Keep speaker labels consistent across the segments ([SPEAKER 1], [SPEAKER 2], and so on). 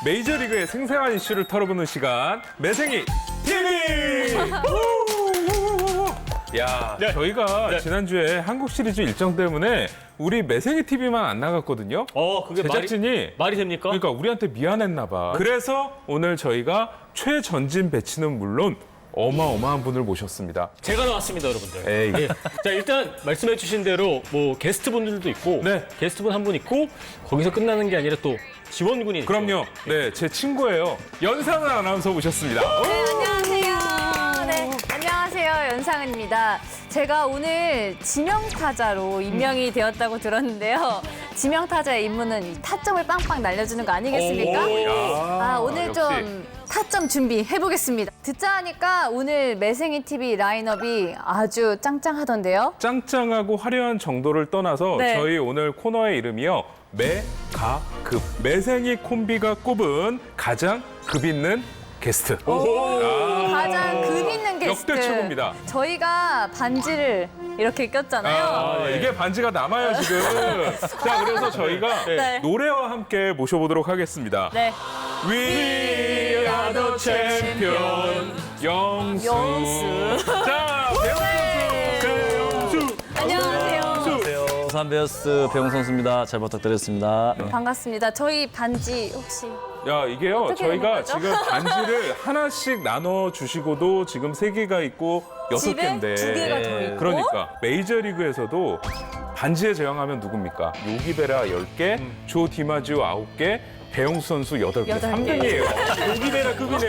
[SPEAKER 1] 메이저리그의 생생한 이슈를 털어보는 시간 매생이 TV. 야,
[SPEAKER 2] 네.
[SPEAKER 1] 저희가
[SPEAKER 2] 네.
[SPEAKER 1] 지난주에 한국 시리즈 일정 때문에 우리 매생이 TV만 안 나갔거든요.
[SPEAKER 2] 그게
[SPEAKER 1] 제작진이
[SPEAKER 2] 말이 됩니까?
[SPEAKER 1] 그러니까 우리한테 미안했나 봐. 그래서 오늘 저희가 최전진 배치는 물론 어마어마한 분을 모셨습니다.
[SPEAKER 2] 제가 나왔습니다, 여러분들.
[SPEAKER 1] 에이.
[SPEAKER 2] 예. 자, 일단 말씀해주신 대로 뭐 게스트분들도 있고,
[SPEAKER 1] 네.
[SPEAKER 2] 게스트분 한 분 있고, 거기서 끝나는 게 아니라 또 지원군이 있죠.
[SPEAKER 1] 그럼요. 네, 제 친구예요. 연상은 아나운서 모셨습니다.
[SPEAKER 3] 네, 안녕하세요. 네, 안녕하세요. 연상은입니다. 제가 오늘 지명타자로 임명이 되었다고 들었는데요. 지명타자의 임무는 이 타점을 빵빵 날려주는 거 아니겠습니까? 오늘
[SPEAKER 1] 역시.
[SPEAKER 3] 좀 타점 준비해보겠습니다. 듣자 하니까 오늘 매생이 TV 라인업이 아주 짱짱하던데요.
[SPEAKER 1] 짱짱하고 화려한 정도를 떠나서
[SPEAKER 3] 네.
[SPEAKER 1] 저희 오늘 코너의 이름이요. 매가급. 매생이 콤비가 꼽은 가장 급 있는 게스트.
[SPEAKER 3] 가장 급 있는 게스트.
[SPEAKER 1] 역대 최고입니다.
[SPEAKER 3] 저희가 반지를 이렇게 꼈잖아요.
[SPEAKER 1] 이게 반지가 남아요, 지금. 자, 그래서 저희가
[SPEAKER 3] 네.
[SPEAKER 1] 노래와 함께 모셔보도록 하겠습니다.
[SPEAKER 3] 네.
[SPEAKER 1] We are the champion. 영수.
[SPEAKER 3] 영수.
[SPEAKER 1] 자, 배영수.
[SPEAKER 3] 안녕하세요.
[SPEAKER 4] 부산 베어스 배용 선수입니다. 잘 부탁드리겠습니다.
[SPEAKER 3] 반갑습니다. 저희 반지 혹시
[SPEAKER 1] 야, 이게요.
[SPEAKER 3] 어떻게 되는
[SPEAKER 1] 저희가
[SPEAKER 3] 거죠?
[SPEAKER 1] 지금 반지를 하나씩 나눠 주시고도 지금 3개가 있고 6개인데.
[SPEAKER 3] 집에 2개가 더 있고.
[SPEAKER 1] 그러니까 메이저리그에서도 반지에 제왕하면 누굽니까? 요기베라 10개, 조 디마지오 9개, 배용수 선수 8개.
[SPEAKER 3] 8개.
[SPEAKER 1] 3등이에요.
[SPEAKER 2] 요기베라 급이네.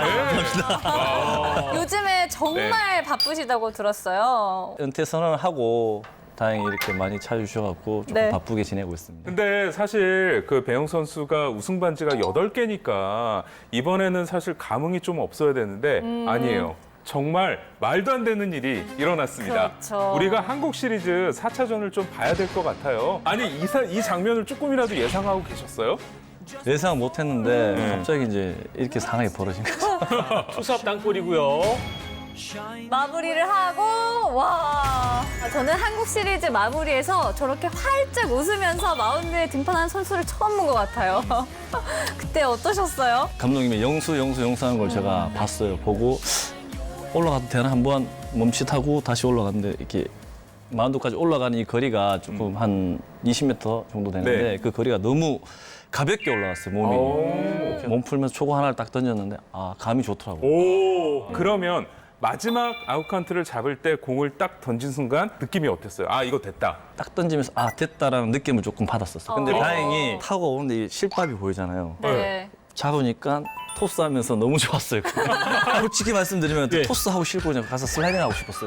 [SPEAKER 3] 요즘에 정말 바쁘시다고 들었어요.
[SPEAKER 4] 은퇴 선언을 하고 다행히 이렇게 많이 찾아주셔갖고 조금
[SPEAKER 3] 네.
[SPEAKER 4] 바쁘게 지내고 있습니다.
[SPEAKER 1] 근데 사실 그 배용 선수가 우승 반지가 8개니까 이번에는 사실 감흥이 좀 없어야 되는데 아니에요. 정말 말도 안 되는 일이 일어났습니다.
[SPEAKER 3] 그렇죠.
[SPEAKER 1] 우리가 한국 시리즈 4차전을 좀 봐야 될 것 같아요. 아니 이 장면을 조금이라도 예상하고 계셨어요?
[SPEAKER 4] 예상 못했는데 갑자기 이제 이렇게 상황이 벌어진 거죠.
[SPEAKER 2] 투삽 땅골이고요.
[SPEAKER 3] 마무리를 하고 와 저는 한국 시리즈 마무리에서 저렇게 활짝 웃으면서 마운드에 등판한 선수를 처음 본 것 같아요. 그때 어떠셨어요?
[SPEAKER 4] 감독님이 영수 하는 걸 제가 봤어요. 보고 올라가도 되나 한번 멈칫하고 다시 올라갔는데 이렇게 마운드까지 올라가는 이 거리가 조금 한 20m 정도 되는데
[SPEAKER 1] 네.
[SPEAKER 4] 그 거리가 너무 가볍게 올라갔어요, 몸이. 몸 풀면서 초구 하나를 딱 던졌는데 감이 좋더라고요.
[SPEAKER 1] 그러면 마지막 아웃카운트를 잡을 때 공을 딱 던진 순간 느낌이 어땠어요? 아, 이거 됐다.
[SPEAKER 4] 딱 던지면서 됐다라는 느낌을 조금 받았었어요. 근데 다행히 타고 오는데 이 실밥이 보이잖아요.
[SPEAKER 3] 네.
[SPEAKER 4] 잡으니까 토스하면서 너무 좋았어요. 솔직히 말씀드리면
[SPEAKER 2] 네.
[SPEAKER 4] 토스하고 싶고 그냥 가서 슬라이딩 하고 싶었어요.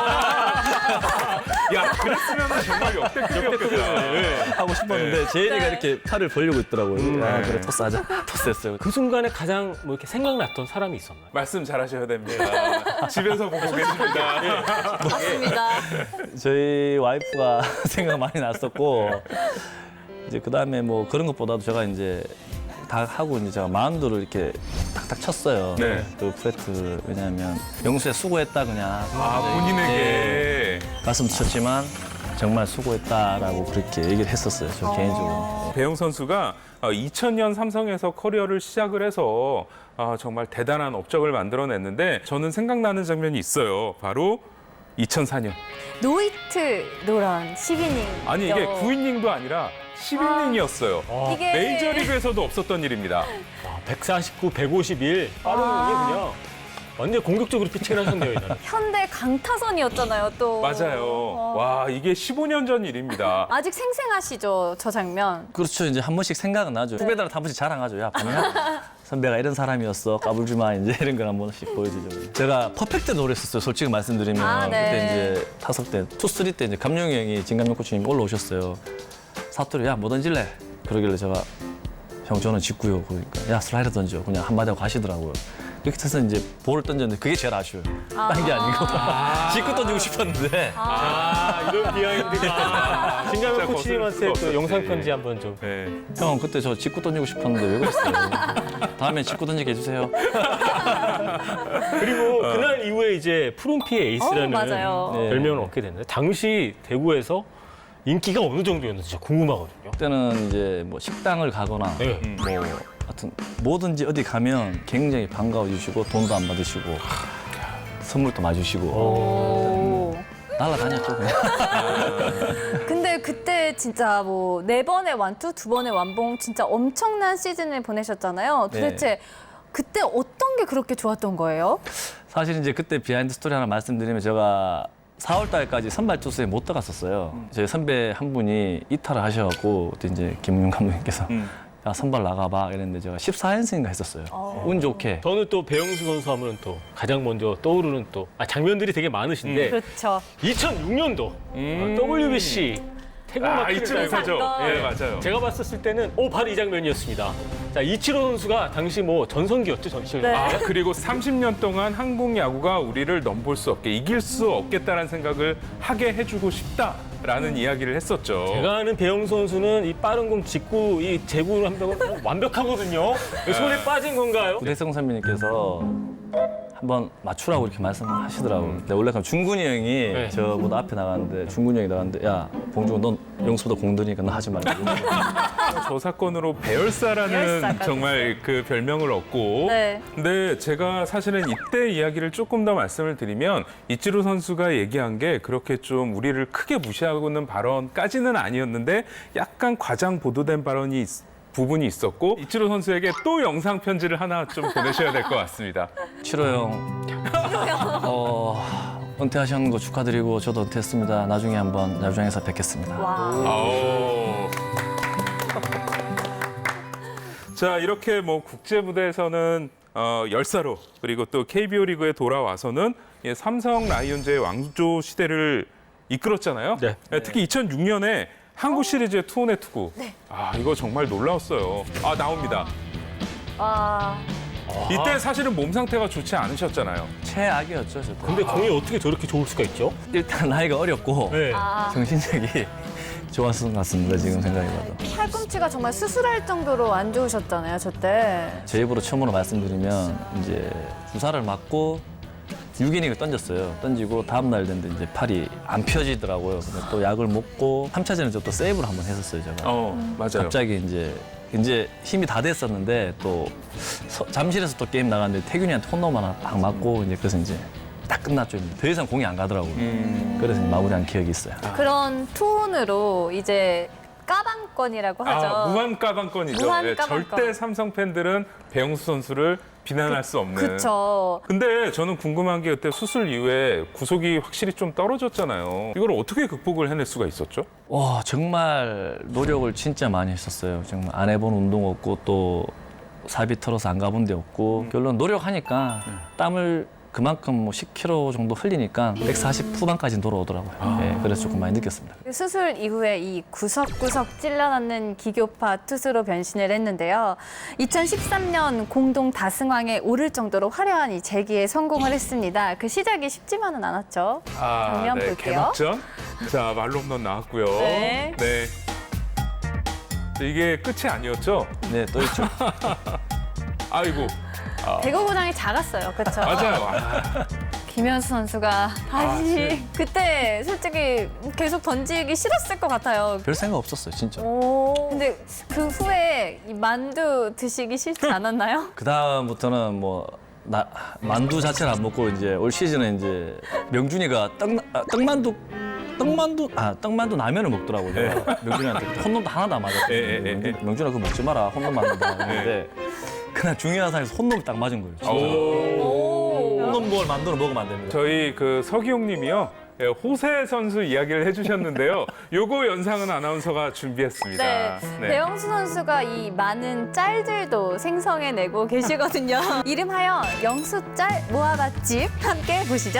[SPEAKER 1] 야, 그랬으면 정말 역대급이었겠다.
[SPEAKER 4] 하고 싶었는데 제이리가 이렇게 팔을 벌리고 있더라고요. 그래 토스하자. 토스했어요.
[SPEAKER 2] 그 순간에 가장 뭐 이렇게 생각났던 사람이 있었나요?
[SPEAKER 1] 말씀 잘하셔야 됩니다. 집에서 보고 계십니다.
[SPEAKER 3] 맞습니다.
[SPEAKER 4] 저희 와이프가 생각 많이 났었고 이제 그 다음에 뭐 그런 것보다도 제가 이제 다 하고 이제 제가 마운드를 이렇게 탁탁 쳤어요.
[SPEAKER 1] 네.
[SPEAKER 4] 그 플래트를 왜냐하면 영수야 수고했다 그냥.
[SPEAKER 1] 본인에게.
[SPEAKER 4] 가슴도 쳤지만 정말 수고했다라고 그렇게 얘기를 했었어요. 저 개인적으로.
[SPEAKER 1] 배용 선수가 2000년 삼성에서 커리어를 시작을 해서 정말 대단한 업적을 만들어냈는데 저는 생각나는 장면이 있어요. 바로 2004년.
[SPEAKER 3] 노이트 노런 10이닝.
[SPEAKER 1] 아니 이게 9이닝도 아니라 10이닝이었어요.
[SPEAKER 3] 이게
[SPEAKER 1] 메이저리그에서도 없었던 일입니다.
[SPEAKER 2] 149, 151. 빠른 게 그냥 완전 공격적으로 피칭을 하셨네요, 이날.
[SPEAKER 3] 현대 강타선이었잖아요, 또.
[SPEAKER 1] 맞아요. 와, 이게 15년 전 일입니다.
[SPEAKER 3] 아직 생생하시죠, 저 장면.
[SPEAKER 4] 그렇죠. 이제 한 번씩 생각은 나죠. 후배들한테 한 번씩 자랑하죠. 야, 봤냐? 선배가 이런 사람이었어. 까불지 마. 이제 이런 걸 한 번씩 보여주죠. 제가 퍼펙트 노래했었어요. 솔직히 말씀드리면.
[SPEAKER 3] 네.
[SPEAKER 4] 그때 이제 타석 때, 투쓰리 때 이제 감룡이 형이 진감룡 코치님 올라오셨어요. 사투리, 야, 뭐 던질래? 그러길래 제가 형, 저는 직구요. 그러니까 야, 슬라이더 던져. 그냥 한마디 하고 가시더라고요. 이렇게 해서 이제 볼을 던졌는데 그게 제일 아쉬워요. 딴 게 아니고. 직구 던지고 싶었는데.
[SPEAKER 2] 이런 비하인드가. 진가면
[SPEAKER 1] 진짜
[SPEAKER 2] 코치님한테
[SPEAKER 1] 거슬
[SPEAKER 2] 또
[SPEAKER 1] 수가
[SPEAKER 2] 영상
[SPEAKER 1] 없었지.
[SPEAKER 2] 편지 한번 좀.
[SPEAKER 1] 네.
[SPEAKER 4] 형, 그때 저 직구 던지고 싶었는데 왜 그랬어요? 다음에 직구 던지게 해주세요.
[SPEAKER 2] 그리고 그날 이후에 이제 푸른피의 에이스라는
[SPEAKER 3] 맞아요.
[SPEAKER 4] 네.
[SPEAKER 2] 별명을 얻게 됐는데 당시 대구에서 인기가 어느 정도였는지 진짜 궁금하거든요.
[SPEAKER 4] 그때는 이제 뭐 식당을 가거나
[SPEAKER 2] 네.
[SPEAKER 4] 뭐 하여튼 뭐든지 어디 가면 굉장히 반가워 주시고 돈도 안 받으시고 선물도 맞으시고
[SPEAKER 3] 오.
[SPEAKER 4] 날라다녔죠 그냥.
[SPEAKER 3] 근데 그때 진짜 뭐 4번의 완투, 2번의 완봉 진짜 엄청난 시즌을 보내셨잖아요. 도대체 그때 어떤 게 그렇게 좋았던 거예요?
[SPEAKER 4] 사실 이제 그때 비하인드 스토리 하나 말씀드리면 제가 4월 달까지 선발 투수에 못 들어갔었어요. 저희 선배 한 분이 이탈을 하셔갖고 그때 이제 김웅 감독님께서 야 선발 나가봐 이랬는데 제가 14연승인가 했었어요. 운 좋게.
[SPEAKER 2] 저는 또 배영수 선수 하면 또 가장 먼저 떠오르는 또 장면들이 되게 많으신데
[SPEAKER 3] 그렇죠.
[SPEAKER 2] 2006년도 WBC 태국 마크를
[SPEAKER 1] 잊지
[SPEAKER 2] 달고
[SPEAKER 1] 못하죠.
[SPEAKER 3] 거.
[SPEAKER 1] 예, 맞아요.
[SPEAKER 2] 제가 봤었을 때는 바로 이 장면이었습니다. 자, 이치로 선수가 당시 뭐 전성기였죠, 전시를.
[SPEAKER 3] 네.
[SPEAKER 1] 아, 그리고 30년 동안 한국 야구가 우리를 넘볼 수 없게, 이길 수 없겠다라는 생각을 하게 해주고 싶다라는 이야기를 했었죠.
[SPEAKER 2] 제가 아는 배영수 선수는 이 빠른 공 직구, 이 제구를 한다고 완벽하거든요. 손에 빠진 건가요?
[SPEAKER 4] 우대성 선배님께서 한번 맞추라고 이렇게 말씀하시더라고요. 근데 원래 그럼 중근이 형이
[SPEAKER 2] 네.
[SPEAKER 4] 저보다 앞에 나가는데 중근이 형이 나가는데 야 봉중은 넌 영수보다 공드니까 너 하지 말고.
[SPEAKER 1] 저 사건으로 배열사라는
[SPEAKER 3] 배열사까지.
[SPEAKER 1] 정말 그 별명을 얻고.
[SPEAKER 3] 네.
[SPEAKER 1] 근데 제가 사실은 이때 이야기를 조금 더 말씀을 드리면 이치로 선수가 얘기한 게 그렇게 좀 우리를 크게 무시하고는 발언까지는 아니었는데 약간 과장 보도된 발언이 부분이 있었고 이치로 선수에게 또 영상 편지를 하나 좀 보내셔야 될 것 같습니다.
[SPEAKER 4] 치로 형, 은퇴하신 거 축하드리고 저도 은퇴했습니다. 나중에 한번 야구장에서 뵙겠습니다.
[SPEAKER 3] 와.
[SPEAKER 1] 아오. 자, 이렇게 뭐 국제 무대에서는 열사로 그리고 또 KBO 리그에 돌아와서는 삼성 라이온즈의 왕조 시대를 이끌었잖아요.
[SPEAKER 2] 네.
[SPEAKER 1] 특히 2006년에 한국 시리즈의 투혼의 투구. 아, 이거 정말 놀라웠어요. 아, 나옵니다.
[SPEAKER 3] 아.
[SPEAKER 1] 이때 사실은 몸 상태가 좋지 않으셨잖아요.
[SPEAKER 4] 최악이었죠, 저도.
[SPEAKER 2] 근데 공이 어떻게 저렇게 좋을 수가 있죠?
[SPEAKER 4] 일단 나이가 어렸고
[SPEAKER 2] 네.
[SPEAKER 3] 아.
[SPEAKER 4] 정신력이 좋았을 것 같습니다, 지금 생각해봐도.
[SPEAKER 3] 팔꿈치가 정말 수술할 정도로 안 좋으셨잖아요, 저 때.
[SPEAKER 4] 제 입으로 처음으로 말씀드리면 이제 주사를 맞고 6이닝을 던졌어요. 던지고 다음날 됐는데 이제 팔이 안 펴지더라고요. 근데 또 약을 먹고 3차전에 또 세이브를 한번 했었어요, 제가.
[SPEAKER 1] 맞아요.
[SPEAKER 4] 갑자기 이제 힘이 다 됐었는데 또 잠실에서 또 게임 나갔는데 태균이한테 홈런 하나 딱 맞고 이제 그래서 이제 딱 끝났죠. 더 이상 공이 안 가더라고요. 그래서 이제 마무리한 기억이 있어요.
[SPEAKER 3] 그런 투혼으로 이제 까방권이라고 하죠.
[SPEAKER 1] 아, 무한 까방권이죠.
[SPEAKER 3] 무한
[SPEAKER 1] 예,
[SPEAKER 3] 까방권.
[SPEAKER 1] 절대 삼성 팬들은 배영수 선수를 비난할 수 없는.
[SPEAKER 3] 그쵸.
[SPEAKER 1] 근데 저는 궁금한 게 그때 수술 이후에 구속이 확실히 좀 떨어졌잖아요. 이걸 어떻게 극복을 해낼 수가 있었죠?
[SPEAKER 4] 와, 정말 노력을 진짜 많이 했었어요. 정말 안 해본 운동 없고 또 사비 털어서 안 가본 데 없고 결론 노력하니까 땀을 그만큼 뭐 10kg 정도 흘리니까 140 후반까지 돌아오더라고요. 예, 그래서 조금 많이 느꼈습니다.
[SPEAKER 3] 수술 이후에 이 구석구석 찔러넣는 기교파 투수로 변신을 했는데요. 2013년 공동 다승왕에 오를 정도로 화려한 이 재기에 성공을 했습니다. 그 시작이 쉽지만은 않았죠. 장면 볼게요.
[SPEAKER 1] 개막전. 자, 말로 홈런 나왔고요.
[SPEAKER 3] 네.
[SPEAKER 1] 네. 이게 끝이 아니었죠?
[SPEAKER 4] 네, 또 있죠.
[SPEAKER 1] 아이고.
[SPEAKER 3] 배구구장이 작았어요. 그렇죠?
[SPEAKER 1] 맞아요. 아,
[SPEAKER 3] 김현수 선수가 다시
[SPEAKER 1] 아,
[SPEAKER 3] 그때 솔직히 계속 던지기 싫었을 것 같아요.
[SPEAKER 4] 별 생각 없었어요, 진짜.
[SPEAKER 3] 근데 그 후에 이 만두 드시기 싫지 않았나요?
[SPEAKER 4] 그 다음부터는 뭐 만두 자체를 안 먹고 이제 올 시즌에 이제 명준이가 떡만두 라면을 먹더라고요. 명준이한테 홈런도 하나도 안 맞았어요. 명준아 그거 먹지 마라. 홈런 맞는다 했는데 그날 중요한 상에서 홈런을 딱 맞은 거예요. 진짜. 홈런 볼 만두를 먹으면 안 됩니다.
[SPEAKER 1] 저희 그 서기용 님이요. 예, 호세 선수 이야기를 해주셨는데요. 요거 연상은 아나운서가 준비했습니다.
[SPEAKER 3] 네, 배영수 선수가 이 많은 짤들도 생성해내고 계시거든요. 이름하여 영수짤 모아밭집 함께 보시죠.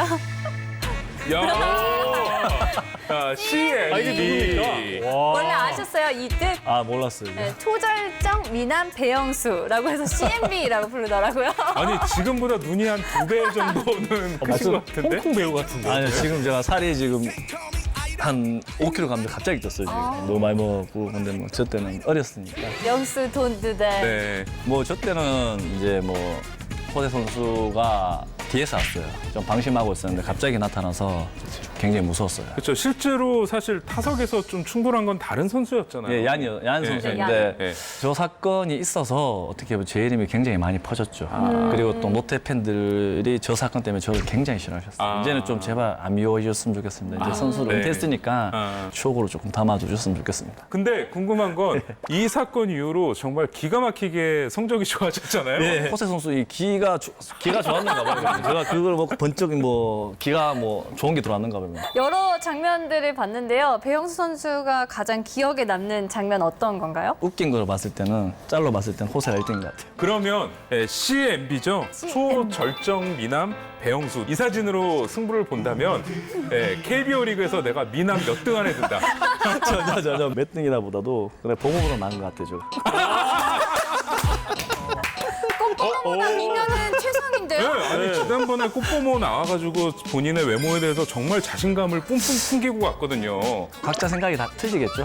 [SPEAKER 1] 야, CLB.
[SPEAKER 2] 이게 누굽니까? 와.
[SPEAKER 3] 원래 아셨어요? 이 뜻?
[SPEAKER 4] 아 몰랐어요.
[SPEAKER 3] 네, 초절정 미남 배영수라고 해서 CMB라고 부르더라고요.
[SPEAKER 1] 아니, 지금보다 눈이 한 2배 정도는 크신 것 같은데?
[SPEAKER 2] 홍콩 배우 같은데.
[SPEAKER 4] 아니요 지금 제가 살이 지금 한 5kg 갔는데 갑자기 떴어요 지금. 너무 많이 먹었고 근데 뭐 저 때는 어렸으니까.
[SPEAKER 3] 영수 돈두대.
[SPEAKER 1] 네.
[SPEAKER 4] 뭐 저 때는 이제 뭐 호세 선수가 뒤에서 왔어요. 좀 방심하고 있었는데 갑자기 나타나서 굉장히 무서웠어요.
[SPEAKER 1] 그렇죠. 실제로 사실 타석에서 좀 충돌한 건 다른 선수였잖아요.
[SPEAKER 4] 예, 얀
[SPEAKER 1] 예,
[SPEAKER 4] 선수인데
[SPEAKER 1] 예.
[SPEAKER 4] 저 사건이 있어서 어떻게 보면 제 이름이 굉장히 많이 퍼졌죠. 그리고 또 롯데 팬들이 저 사건 때문에 저를 굉장히 싫어하셨어요.
[SPEAKER 1] 아.
[SPEAKER 4] 이제는 좀 제발 안 미워해줬으면 좋겠습니다. 이제 선수를
[SPEAKER 1] 네.
[SPEAKER 4] 은퇴했으니까
[SPEAKER 1] 아.
[SPEAKER 4] 추억으로 조금 담아주셨으면 좋겠습니다.
[SPEAKER 1] 근데 궁금한 건 이 사건 이후로 정말 기가 막히게 성적이 좋아졌잖아요.
[SPEAKER 4] 호세 선수 이 기가 좋았는가 봐요. 제가 그걸 먹고 번쩍 기가 좋은 게 들어왔는가 봐요.
[SPEAKER 3] 여러 장면들을 봤는데요. 배영수 선수가 가장 기억에 남는 장면 어떤 건가요?
[SPEAKER 4] 웃긴 걸 봤을 때는 짤로 봤을 때는 호세가 1등인 것 같아요.
[SPEAKER 1] 그러면 CMB죠. 초절정 미남 배영수. 이 사진으로 승부를 본다면 KBO 리그에서 내가 미남 몇 등 안에 든다.
[SPEAKER 4] 저 몇 등이다 보다도 그래 봉으로 나은 것 같아요.
[SPEAKER 3] 꽃보다 미녀는
[SPEAKER 1] 네,
[SPEAKER 3] 최상인데요?
[SPEAKER 1] 아니 지난번에 꽃보모 나와가지고 본인의 외모에 대해서 정말 자신감을 뿜뿜 풍기고 갔거든요.
[SPEAKER 4] 각자 생각이 다 틀리겠죠?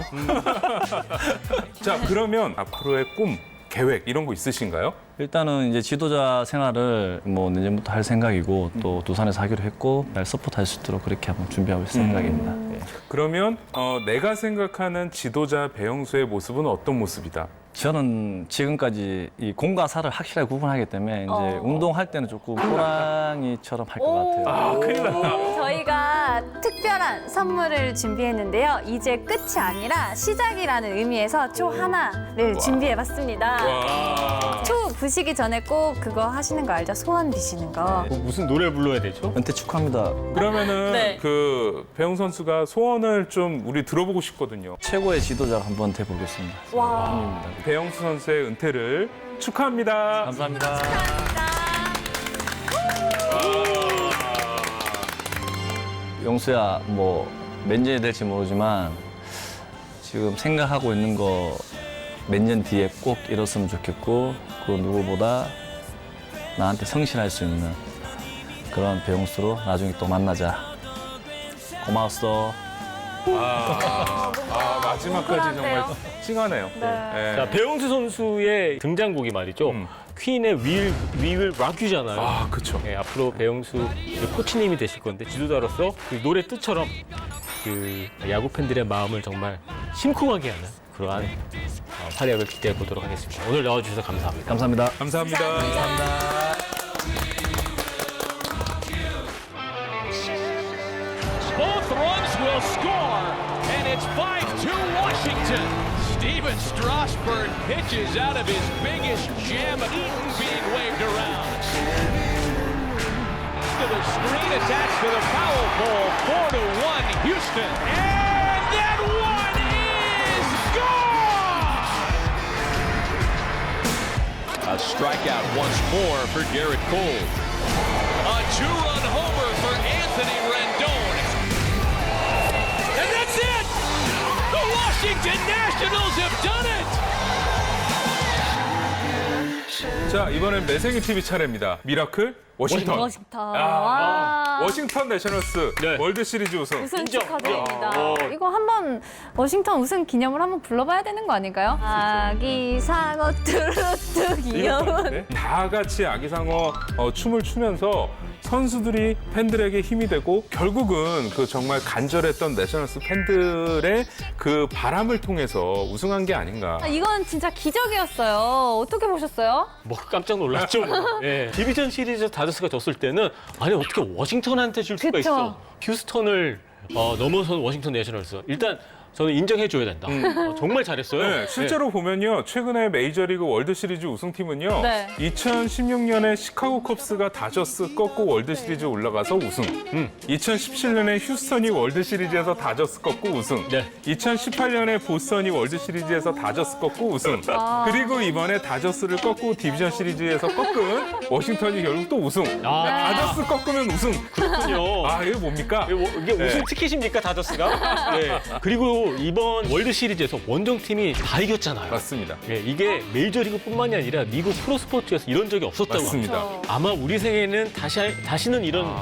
[SPEAKER 1] 자 그러면 앞으로의 꿈, 계획 이런 거 있으신가요?
[SPEAKER 4] 일단은 이제 지도자 생활을 내년부터 할 생각이고 또 두산에서 하기로 했고 날 서포트할 수 있도록 그렇게 한번 준비하고 있을 생각입니다. 예.
[SPEAKER 1] 그러면 내가 생각하는 지도자 배영수의 모습은 어떤 모습이다?
[SPEAKER 4] 저는 지금까지 이 공과 사를 확실하게 구분하기 때문에 이제 운동할 때는 조금 호랑이처럼 할 것 같아요.
[SPEAKER 1] 큰일 났다.
[SPEAKER 3] 저희가 특별한 선물을 준비했는데요. 이제 끝이 아니라 시작이라는 의미에서 초 하나를 준비해봤습니다.
[SPEAKER 1] 와.
[SPEAKER 3] 초 부시기 전에 꼭 그거 하시는 거 알죠? 소원 비시는 거.
[SPEAKER 2] 무슨 노래 불러야 되죠?
[SPEAKER 4] 은퇴 축하합니다.
[SPEAKER 1] 그러면은
[SPEAKER 3] 네.
[SPEAKER 1] 그 배영수 선수가 소원을 좀 우리 들어보고 싶거든요.
[SPEAKER 4] 최고의 지도자 한번 돼보겠습니다.
[SPEAKER 3] 와.
[SPEAKER 4] 힘입니다.
[SPEAKER 1] 배영수 선수의 은퇴를 축하합니다.
[SPEAKER 4] 감사합니다. 영수야, 몇 년이 될지 모르지만 지금 생각하고 있는 거 몇 년 뒤에 꼭 이뤘으면 좋겠고 그 누구보다 나한테 성실할 수 있는 그런 배영수로 나중에 또 만나자. 고마웠어.
[SPEAKER 1] 마지막까지 정말
[SPEAKER 3] 뭉클한데요?
[SPEAKER 1] 찡하네요. 네.
[SPEAKER 2] 자, 배영수 선수의 등장곡이 말이죠. 퀸의 We Will Rock You잖아요.
[SPEAKER 1] 아, 그쵸.
[SPEAKER 2] 네, 앞으로 배영수 코치님이 되실 건데 지도자로서 그 노래 뜻처럼 그 야구 팬들의 마음을 정말 심쿵하게 하는 그러한 활약을 기대해 보도록 하겠습니다. 오늘 나와주셔서 감사합니다.
[SPEAKER 4] 감사합니다.
[SPEAKER 1] 감사합니다.
[SPEAKER 5] Both runs will score, and it's 5-2 Washington. Steven Strasburg pitches out of his biggest gem, Eaton being waved around. To the screen attached to the foul pole, 4-1 Houston. And that one is gone! A strikeout once more for Garrett Cole. A two-run homer for Anthony Rendon. And that's it! The Washington Nationals have done it!
[SPEAKER 1] 자, 이번엔 매생이 TV 차례입니다. 미라클 워싱턴.
[SPEAKER 3] 워싱턴. 와.
[SPEAKER 1] 워싱턴 내셔널스
[SPEAKER 2] 네.
[SPEAKER 1] 월드 시리즈 우승.
[SPEAKER 3] 우승
[SPEAKER 2] 인정.
[SPEAKER 3] 축하드립니다.
[SPEAKER 2] 어.
[SPEAKER 3] 이거 한번 워싱턴 우승 기념으로 한번 불러봐야 되는 거 아닌가요? 아기 상어 뚜루뚜 귀여운.
[SPEAKER 1] 네? 다 같이 아기상어 춤을 추면서 선수들이 팬들에게 힘이 되고 결국은 그 정말 간절했던 내셔널스 팬들의 그 바람을 통해서 우승한 게 아닌가.
[SPEAKER 3] 이건 진짜 기적이었어요. 어떻게 보셨어요?
[SPEAKER 2] 깜짝 놀랐죠. 네. 디비전 시리즈 다저스가 졌을 때는 아니 어떻게 워싱턴한테 질 수가
[SPEAKER 3] 그쵸.
[SPEAKER 2] 있어. 휴스턴을 넘어선 워싱턴 내셔널스. 일단 저는 인정해줘야 된다. 정말 잘했어요.
[SPEAKER 1] 네, 실제로 보면요. 최근에 메이저리그 월드 시리즈 우승팀은요.
[SPEAKER 3] 네.
[SPEAKER 1] 2016년에 시카고 컵스가 다저스 꺾고 월드 시리즈 올라가서 우승. 2017년에 휴스턴이 월드 시리즈에서 다저스 꺾고 우승.
[SPEAKER 2] 네.
[SPEAKER 1] 2018년에 보스턴이 월드 시리즈에서 다저스 꺾고 우승. 그리고 이번에 다저스를 꺾고 디비전 시리즈에서 꺾은 워싱턴이 결국 또 우승. 다저스 꺾으면 우승.
[SPEAKER 2] 그렇군요.
[SPEAKER 1] 아, 이게 뭡니까?
[SPEAKER 2] 이게 우승
[SPEAKER 1] 네.
[SPEAKER 2] 티켓입니까 다저스가? 네. 그리고 이번 월드 시리즈에서 원정팀이 다 이겼잖아요.
[SPEAKER 1] 맞습니다.
[SPEAKER 2] 네, 이게 메이저리그뿐만이 아니라 미국 프로스포츠에서 이런 적이 없었다고
[SPEAKER 1] 맞습니다.
[SPEAKER 2] 합니다. 아마 우리 생에는 다시는 이런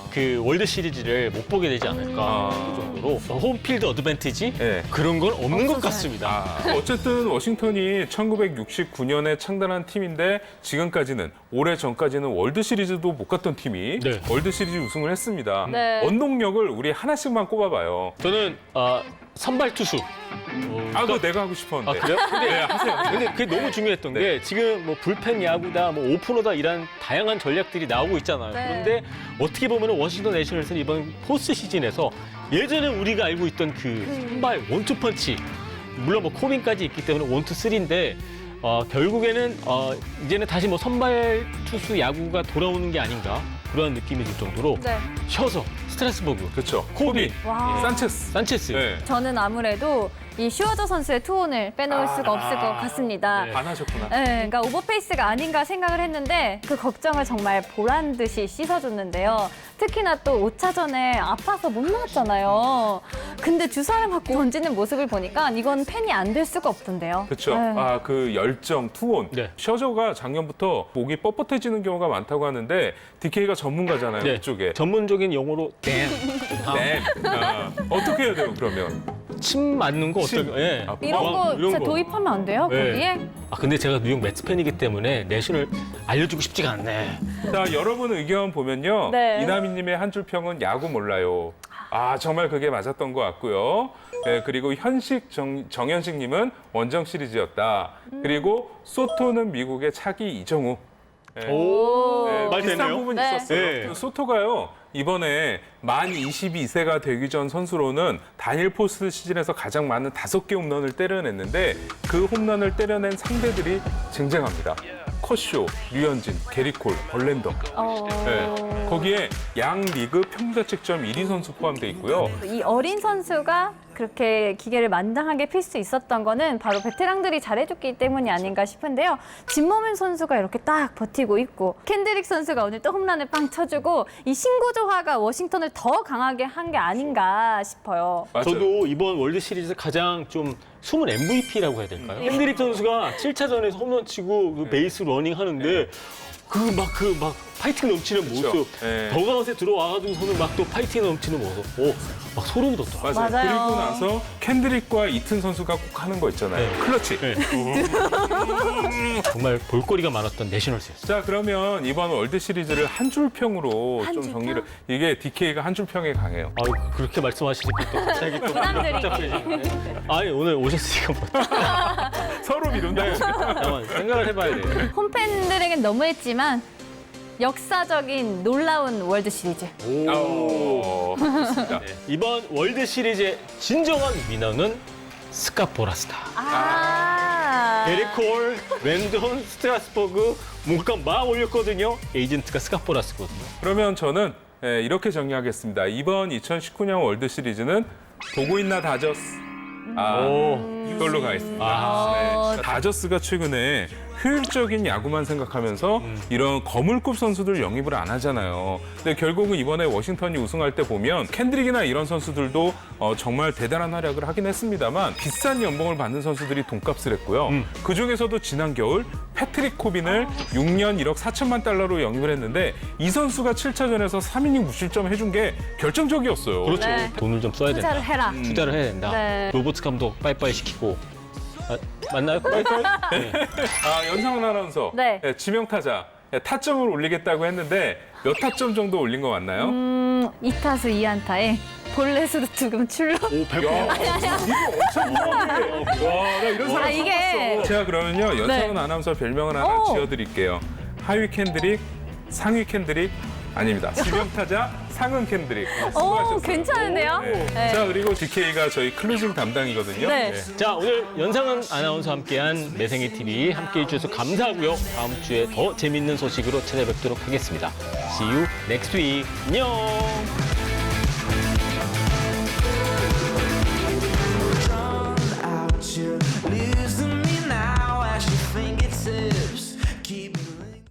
[SPEAKER 2] 그 월드 시리즈를 못 보게 되지 않을까 그 정도로 홈필드 어드밴티지
[SPEAKER 1] 네.
[SPEAKER 2] 그런 건 없는 것 같습니다.
[SPEAKER 1] 어쨌든 워싱턴이 1969년에 창단한 팀인데 지금까지는 올해 전까지는 월드 시리즈도 못 갔던 팀이
[SPEAKER 2] 네.
[SPEAKER 1] 월드 시리즈 우승을 했습니다.
[SPEAKER 3] 네.
[SPEAKER 1] 원동력을 우리 하나씩만 꼽아봐요.
[SPEAKER 2] 저는 선발 투수.
[SPEAKER 1] 그거 내가 하고 싶었는데.
[SPEAKER 2] 그래요?
[SPEAKER 1] 네, 하세요.
[SPEAKER 2] 근데 그게 너무 중요했던
[SPEAKER 1] 네.
[SPEAKER 2] 게 지금 뭐 불펜 야구다, 뭐 오프너다 이런 다양한 전략들이 나오고 있잖아요.
[SPEAKER 3] 네.
[SPEAKER 2] 그런데 어떻게 보면 워싱턴 내셔널스는 이번 포스트 시즌에서 예전에 우리가 알고 있던 그 선발 원투펀치 물론 뭐 코빈까지 있기 때문에 원투쓰리인데 결국에는 이제는 다시 뭐 선발 투수 야구가 돌아오는 게 아닌가 그런 느낌이 들 정도로
[SPEAKER 3] 네.
[SPEAKER 2] 셔서 스트라스버그,
[SPEAKER 1] 그렇죠.
[SPEAKER 2] 코빈,
[SPEAKER 3] 와.
[SPEAKER 1] 산체스.
[SPEAKER 2] 산체스.
[SPEAKER 1] 네.
[SPEAKER 3] 저는 아무래도 이 슈어저 선수의 투혼을 빼놓을 수가 없을 것 같습니다.
[SPEAKER 2] 네.
[SPEAKER 1] 안 하셨구나.
[SPEAKER 3] 네, 그러니까 오버페이스가 아닌가 생각을 했는데 그 걱정을 정말 보란 듯이 씻어줬는데요. 특히나 또 5차전에 아파서 못 나왔잖아요. 근데 주사를 맞고 던지는 모습을 보니까 이건 팬이 안 될 수가 없던데요.
[SPEAKER 1] 그렇죠.
[SPEAKER 3] 네.
[SPEAKER 1] 그 열정, 투혼.
[SPEAKER 2] 네.
[SPEAKER 1] 셔저가 작년부터 목이 뻣뻣해지는 경우가 많다고 하는데 DK가 전문가잖아요.
[SPEAKER 2] 네.
[SPEAKER 1] 이쪽에.
[SPEAKER 2] 전문적인 용어로 댐.
[SPEAKER 1] 네. 어떻게 해야 돼요, 그러면?
[SPEAKER 2] 침 맞는 거
[SPEAKER 1] 침.
[SPEAKER 2] 어떨까? 예.
[SPEAKER 3] 이런 거 진짜 도입하면 안 돼요?
[SPEAKER 2] 네.
[SPEAKER 3] 거기에?
[SPEAKER 2] 근데 제가 뉴욕 매츠 팬이기 때문에 내신을 알려주고 싶지가 않네.
[SPEAKER 1] 자, 여러분 의견 보면요.
[SPEAKER 3] 네.
[SPEAKER 1] 이나미님의 한 줄 평은 야구 몰라요. 정말 그게 맞았던 것 같고요. 네, 그리고 정현식님은 원정 시리즈였다. 그리고 소토는 미국의 차기 이정우. 네.
[SPEAKER 2] 오, 말
[SPEAKER 1] 비슷한
[SPEAKER 2] 되네요.
[SPEAKER 1] 부분이
[SPEAKER 3] 네.
[SPEAKER 1] 있었어요.
[SPEAKER 2] 네.
[SPEAKER 1] 그 소토가요. 이번에 만 22세가 되기 전 선수로는 단일 포스트 시즌에서 가장 많은 5개 홈런을 때려냈는데 그 홈런을 때려낸 상대들이 쟁쟁합니다. 컷쇼, 류현진, 게리콜, 벌랜더. 네. 거기에 양 리그 평균자책점 1위 선수 포함되어 있고요.
[SPEAKER 3] 이 어린 선수가 그렇게 기계를 만장하게 필 수 있었던 거는 바로 베테랑들이 잘해줬기 때문이 아닌가 싶은데요. 진모맨 선수가 이렇게 딱 버티고 있고 캔드릭 선수가 오늘 또 홈런을 빵 쳐주고 이 신구조화가 워싱턴을 더 강하게 한 게 아닌가 싶어요.
[SPEAKER 1] 맞아요.
[SPEAKER 2] 저도 이번 월드 시리즈 가장 좀 숨은 MVP라고 해야 될까요? 헨드릭 선수가 7차전에서 홈런 치고 그 베이스 러닝 하는데 그 막 파이팅 넘치는
[SPEAKER 1] 그쵸.
[SPEAKER 2] 모습,
[SPEAKER 1] 네.
[SPEAKER 2] 더가웃에 들어와가지고서는 막 또 파이팅 넘치는 모습, 막 소름이 돋더라고요.
[SPEAKER 1] 맞아요.
[SPEAKER 3] 맞아요.
[SPEAKER 1] 그리고 나서 캔드릭과 이튼 선수가 꼭 하는 거 있잖아요.
[SPEAKER 2] 네.
[SPEAKER 1] 클러치.
[SPEAKER 2] 네. 정말 볼거리가 많았던 내셔널스였어요.
[SPEAKER 1] 자, 그러면 이번 월드 시리즈를 한 줄 평으로
[SPEAKER 3] 한
[SPEAKER 1] 좀
[SPEAKER 3] 줄
[SPEAKER 1] 정리를. 이게 DK가 한 줄 평에 강해요.
[SPEAKER 2] 그렇게 말씀하시니까 또 갑자기 또
[SPEAKER 3] 부담드리게.
[SPEAKER 2] 복잡해지네. 아니 오늘 오셨으니까 뭐
[SPEAKER 1] 서로 미룬다.
[SPEAKER 2] 잠깐만 생각을 해봐야 돼요.
[SPEAKER 3] 홈팬들에겐 너무했지만 역사적인 놀라운 월드 시리즈.
[SPEAKER 1] 좋습니다.
[SPEAKER 2] 이번 월드 시리즈의 진정한 위너는 스카포라스타. 데리콜, 랜돈, 스트라스버그 물감 막 올렸거든요. 에이전트가 스카포라스거든요.
[SPEAKER 1] 그러면 저는 이렇게 정리하겠습니다. 이번 2019년 월드 시리즈는 보고 있나 다저스. 이걸로 가겠습니다. 네. 다저스가 최근에 효율적인 야구만 생각하면서 이런 거물급 선수들 영입을 안 하잖아요. 근데 결국은 이번에 워싱턴이 우승할 때 보면 캔드릭이나 이런 선수들도 정말 대단한 활약을 하긴 했습니다만 비싼 연봉을 받는 선수들이 돈값을 했고요. 그중에서도 지난 겨울 패트릭 코빈을 6년 1억 4천만 달러로 영입을 했는데 이 선수가 7차전에서 3이닝 무실점 해준 게 결정적이었어요.
[SPEAKER 2] 그렇죠.
[SPEAKER 3] 네.
[SPEAKER 2] 돈을 좀 써야 된다.
[SPEAKER 3] 투자를 해라.
[SPEAKER 2] 투자를 해야 된다.
[SPEAKER 3] 네.
[SPEAKER 2] 로버트 감독 빠이빠이 시키고. 맞나요? 빠이빠이? 네.
[SPEAKER 1] 연상훈 아나운서
[SPEAKER 3] 네.
[SPEAKER 1] 지명타자 타점을 올리겠다고 했는데 몇 타점 정도 올린 거 맞나요?
[SPEAKER 3] 2타수 2안타에 볼넷으로 2금 출루.
[SPEAKER 2] 오, 100%.
[SPEAKER 1] 이거 엄청 무거운데. 와, 나 이런 사람 처음
[SPEAKER 3] 이게
[SPEAKER 1] 봤어. 제가 그러면요, 연상훈
[SPEAKER 3] 네.
[SPEAKER 1] 아나운서 별명을 하나
[SPEAKER 3] 오.
[SPEAKER 1] 지어드릴게요. 하위 캔드릭, 상위 캔드릭 아닙니다. 지명타자 상은 캔드릭. 수고하셨어요.
[SPEAKER 3] 괜찮은데요?
[SPEAKER 1] 네.
[SPEAKER 3] 네.
[SPEAKER 1] 자, 그리고 DK가 저희 클로징 담당이거든요.
[SPEAKER 3] 네.
[SPEAKER 2] 자, 오늘 연상은 아나운서 함께한 매생이 TV 함께해 주셔서 감사하고요. 다음 주에 더 재밌는 소식으로 찾아뵙도록 하겠습니다. See you next week. 안녕.
[SPEAKER 6] out your